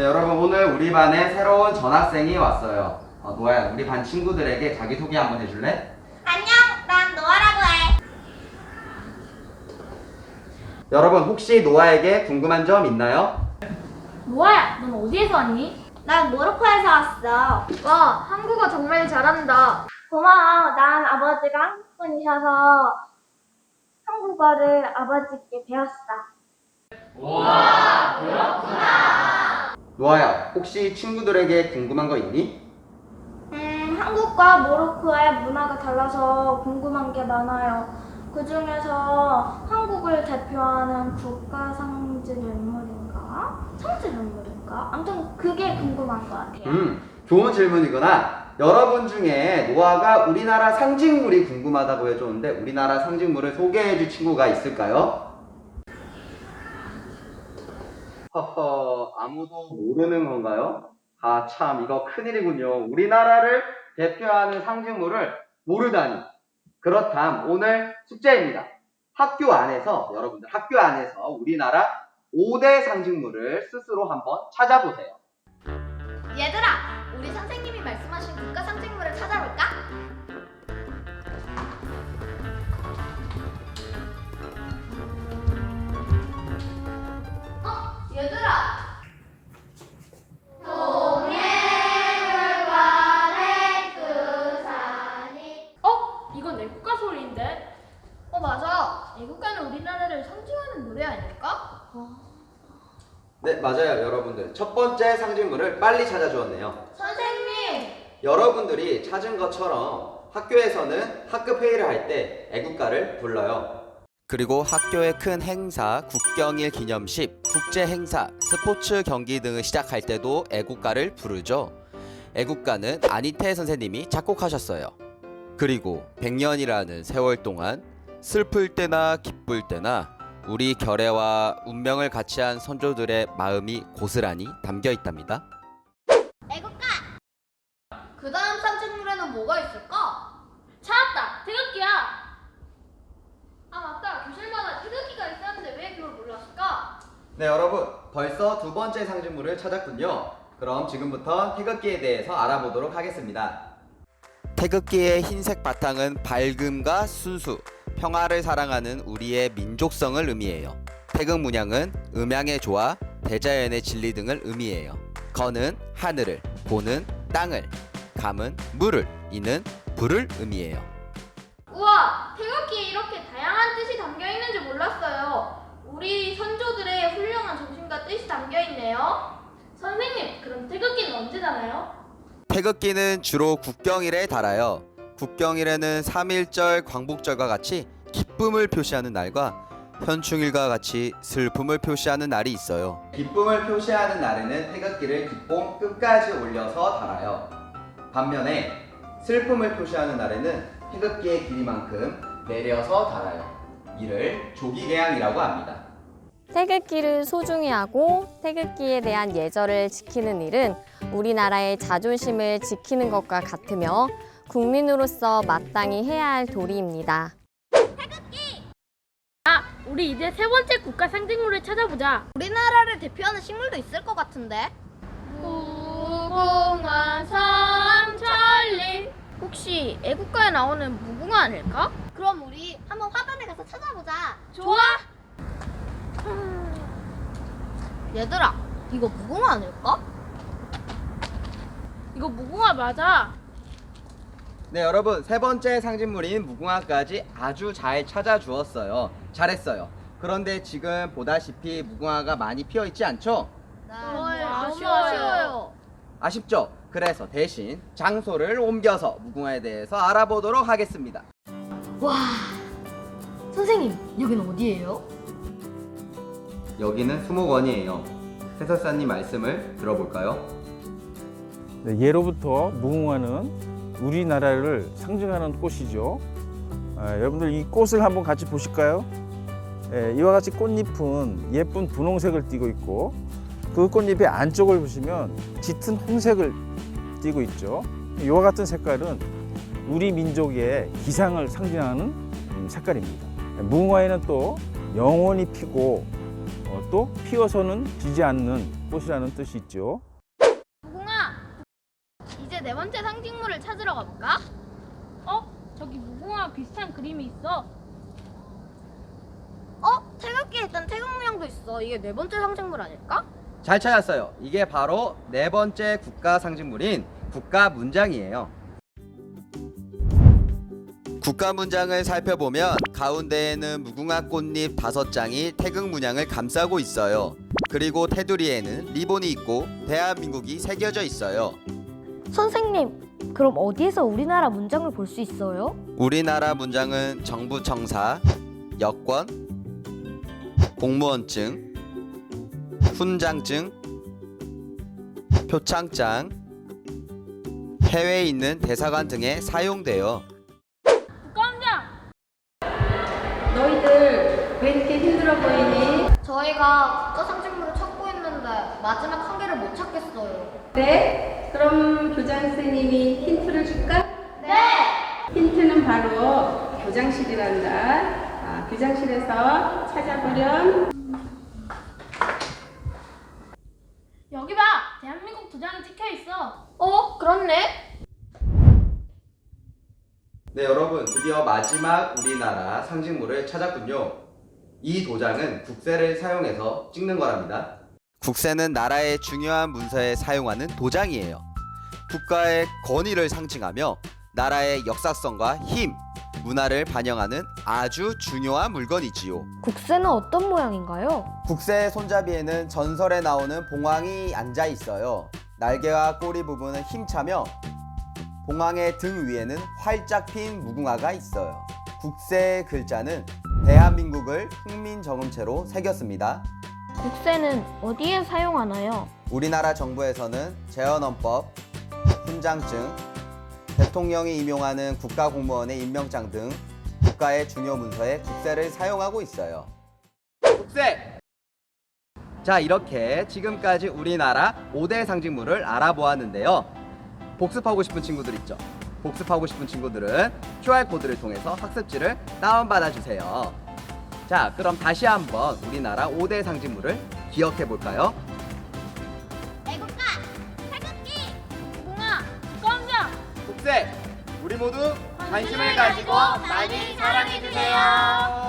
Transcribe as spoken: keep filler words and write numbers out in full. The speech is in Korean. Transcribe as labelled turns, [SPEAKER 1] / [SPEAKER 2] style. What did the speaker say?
[SPEAKER 1] 여러분 오늘 우리 반에 새로운 전학생이 왔어요. 어, 노아야, 우리 반 친구들에게 자기소개 한번 해줄래?
[SPEAKER 2] 안녕, 난 노아라고 해.
[SPEAKER 1] 여러분 혹시 노아에게 궁금한 점 있나요?
[SPEAKER 3] 노아야, 넌 어디에서 왔니?
[SPEAKER 2] 난 모로코에서 왔어.
[SPEAKER 3] 와, 한국어 정말 잘한다.
[SPEAKER 2] 고마워. 난 아버지가 한국분이셔서 한국어를 아버지께 배웠어.
[SPEAKER 1] 노아야, 혹시 친구들에게 궁금한 거 있니?
[SPEAKER 2] 음, 한국과 모로코의 문화가 달라서 궁금한 게 많아요. 그 중에서 한국을 대표하는 국가 상징 인물인가? 상징 인물인가? 아무튼 그게 궁금한 것 같아요.
[SPEAKER 1] 음, 좋은 질문이구나. 여러분 중에 노아가 우리나라 상징물이 궁금하다고 해줬는데 우리나라 상징물을 소개해줄 친구가 있을까요? 허허, 아무도 모르는 건가요? 아, 참, 이거 큰일이군요. 우리나라를 대표하는 상징물을 모르다니. 그렇담 오늘 숙제입니다. 학교 안에서, 여러분들 학교 안에서 우리나라 오 대 상징물을 스스로 한번 찾아보세요.
[SPEAKER 3] 얘들아, 우리 선생님이 말씀하신 국가 상징물을 찾아볼까? 어, 얘들아. 어? 이건 애국가 소리인데? 어, 맞아. 애국가는 우리나라를 상징하는 노래 아닐까?
[SPEAKER 1] 네, 맞아요, 여러분들. 첫 번째 상징물을 빨리 찾아주었네요.
[SPEAKER 3] 선생님!
[SPEAKER 1] 여러분들이 찾은 것처럼 학교에서는 학급 회의를 할 때 애국가를 불러요. 그리고 학교의 큰 행사, 국경일 기념식, 국제 행사, 스포츠 경기 등을 시작할 때도 애국가를 부르죠. 애국가는 안희태 선생님이 작곡하셨어요. 그리고 백 년이라는 세월 동안 슬플 때나 기쁠 때나 우리 결의와 운명을 같이 한 선조들의 마음이 고스란히 담겨 있답니다.
[SPEAKER 2] 애국가!
[SPEAKER 3] 그 다음 상징물에는 뭐가 있을까? 찾았다! 태극기야! 아 맞다! 교실마다 태극기가 있었는데 왜 그걸 몰랐을까?
[SPEAKER 1] 네, 여러분, 벌써 두 번째 상징물을 찾았군요. 그럼 지금부터 태극기에 대해서 알아보도록 하겠습니다. 태극기의 흰색 바탕은 밝음과 순수, 평화를 사랑하는 우리의 민족성을 의미해요. 태극 문양은 음양의 조화, 대자연의 진리 등을 의미해요. 건은 하늘을, 보는 땅을, 감은 물을, 이는 불을 의미해요.
[SPEAKER 3] 우와! 태극기에 이렇게 다양한 뜻이 담겨 있는지 몰랐어요. 우리 선조들의 훌륭한 정신과 뜻이 담겨 있네요. 선생님, 그럼 태극기는 언제 달아요?
[SPEAKER 1] 태극기는 주로 국경일에 달아요. 국경일에는 삼일절 광복절과 같이 기쁨을 표시하는 날과 현충일과 같이 슬픔을 표시하는 날이 있어요. 기쁨을 표시하는 날에는 태극기를 깃봉 끝까지 올려서 달아요. 반면에 슬픔을 표시하는 날에는 태극기의 길이만큼 내려서 달아요. 이를 조기개항이라고 합니다.
[SPEAKER 4] 태극기를 소중히 하고 태극기에 대한 예절을 지키는 일은 우리나라의 자존심을 지키는 것과 같으며 국민으로서 마땅히 해야 할 도리입니다.
[SPEAKER 3] 우리 이제 세 번째 국가 상징물을 찾아보자.
[SPEAKER 2] 우리나라를 대표하는 식물도 있을 것 같은데?
[SPEAKER 3] 무궁화 삼천리. 혹시 애국가에 나오는 무궁화 아닐까?
[SPEAKER 2] 그럼 우리 한번 화단에 가서 찾아보자.
[SPEAKER 3] 좋아.
[SPEAKER 2] 얘들아, 이거 무궁화 아닐까?
[SPEAKER 3] 이거 무궁화 맞아.
[SPEAKER 1] 네, 여러분, 세 번째 상징물인 무궁화까지 아주 잘 찾아주었어요. 잘했어요. 그런데 지금 보다시피 무궁화가 많이 피어 있지 않죠?
[SPEAKER 3] 아쉬워요.
[SPEAKER 1] 아쉽죠? 그래서 대신 장소를 옮겨서 무궁화에 대해서 알아보도록 하겠습니다.
[SPEAKER 3] 와, 선생님 여기는 어디예요?
[SPEAKER 1] 여기는 수목원이에요. 해설사님 말씀을 들어볼까요?
[SPEAKER 5] 네, 예로부터 무궁화는 우리나라를 상징하는 꽃이죠. 아, 여러분들 이 꽃을 한번 같이 보실까요? 예, 이와 같이 꽃잎은 예쁜 분홍색을 띠고 있고 그 꽃잎의 안쪽을 보시면 짙은 홍색을 띠고 있죠. 이와 같은 색깔은 우리 민족의 기상을 상징하는 색깔입니다. 무궁화에는 또 영원히 피고 어, 또 피어서는 지지 않는 꽃이라는 뜻이 있죠.
[SPEAKER 3] 무궁화, 이제 네 번째 상징물을 찾으러 가볼까? 어? 저기 무궁화 비슷한 그림이 있어.
[SPEAKER 4] 어? 태극기에 있던 태극 문양도 있어. 이게 네 번째 상징물 아닐까?
[SPEAKER 1] 잘 찾았어요. 이게 바로 네 번째 국가 상징물인 국가 문장이에요. 국가 문장을 살펴보면 가운데에는 무궁화 꽃잎 다섯 장이 태극 문양을 감싸고 있어요. 그리고 테두리에는 리본이 있고 대한민국이 새겨져 있어요.
[SPEAKER 6] 선생님, 그럼 어디에서 우리나라 문장을 볼 수 있어요?
[SPEAKER 1] 우리나라 문장은 정부 청사, 여권, 공무원증, 훈장증, 표창장, 해외에 있는 대사관 등에 사용돼요.
[SPEAKER 3] 국감장!
[SPEAKER 7] 너희들 왜 이렇게 힘들어 보이니?
[SPEAKER 4] 저희가 국가 상징물을 찾고 있는데 마지막 한 개를 못 찾겠어요.
[SPEAKER 7] 네? 그럼 교장 선생님이 힌트를 줄까?
[SPEAKER 3] 네!
[SPEAKER 7] 힌트는 바로 교장실이란다. 아, 교장실에서 찾아보렴.
[SPEAKER 3] 여기 봐! 대한민국 도장이 찍혀 있어.
[SPEAKER 4] 어? 그렇네.
[SPEAKER 1] 네, 여러분, 드디어 마지막 우리나라 상징물을 찾았군요. 이 도장은 국세를 사용해서 찍는 거랍니다. 국세는 나라의 중요한 문서에 사용하는 도장이에요. 국가의 권위를 상징하며 나라의 역사성과 힘, 문화를 반영하는 아주 중요한 물건이지요.
[SPEAKER 6] 국세는 어떤 모양인가요?
[SPEAKER 1] 국세의 손잡이에는 전설에 나오는 봉황이 앉아 있어요. 날개와 꼬리 부분은 힘차며 봉황의 등 위에는 활짝 핀 무궁화가 있어요. 국세의 글자는 대한민국을 훈민정음체로 새겼습니다.
[SPEAKER 6] 국세는 어디에 사용하나요?
[SPEAKER 1] 우리나라 정부에서는 재헌헌법, 훈장증, 대통령이 임용하는 국가공무원의 임명장 등 국가의 중요 문서에 국세를 사용하고 있어요. 국세! 자, 이렇게 지금까지 우리나라 오 대 상징물을 알아보았는데요. 복습하고 싶은 친구들 있죠? 복습하고 싶은 친구들은 큐알 코드를 통해서 학습지를 다운받아 주세요. 자, 그럼 다시 한번 우리나라 오 대 상징물을 기억해 볼까요?
[SPEAKER 3] 애국가, 태극기, 무궁화, 국감장!
[SPEAKER 1] 국세! 우리 모두 관심을 가지고 많이 사랑해 주세요.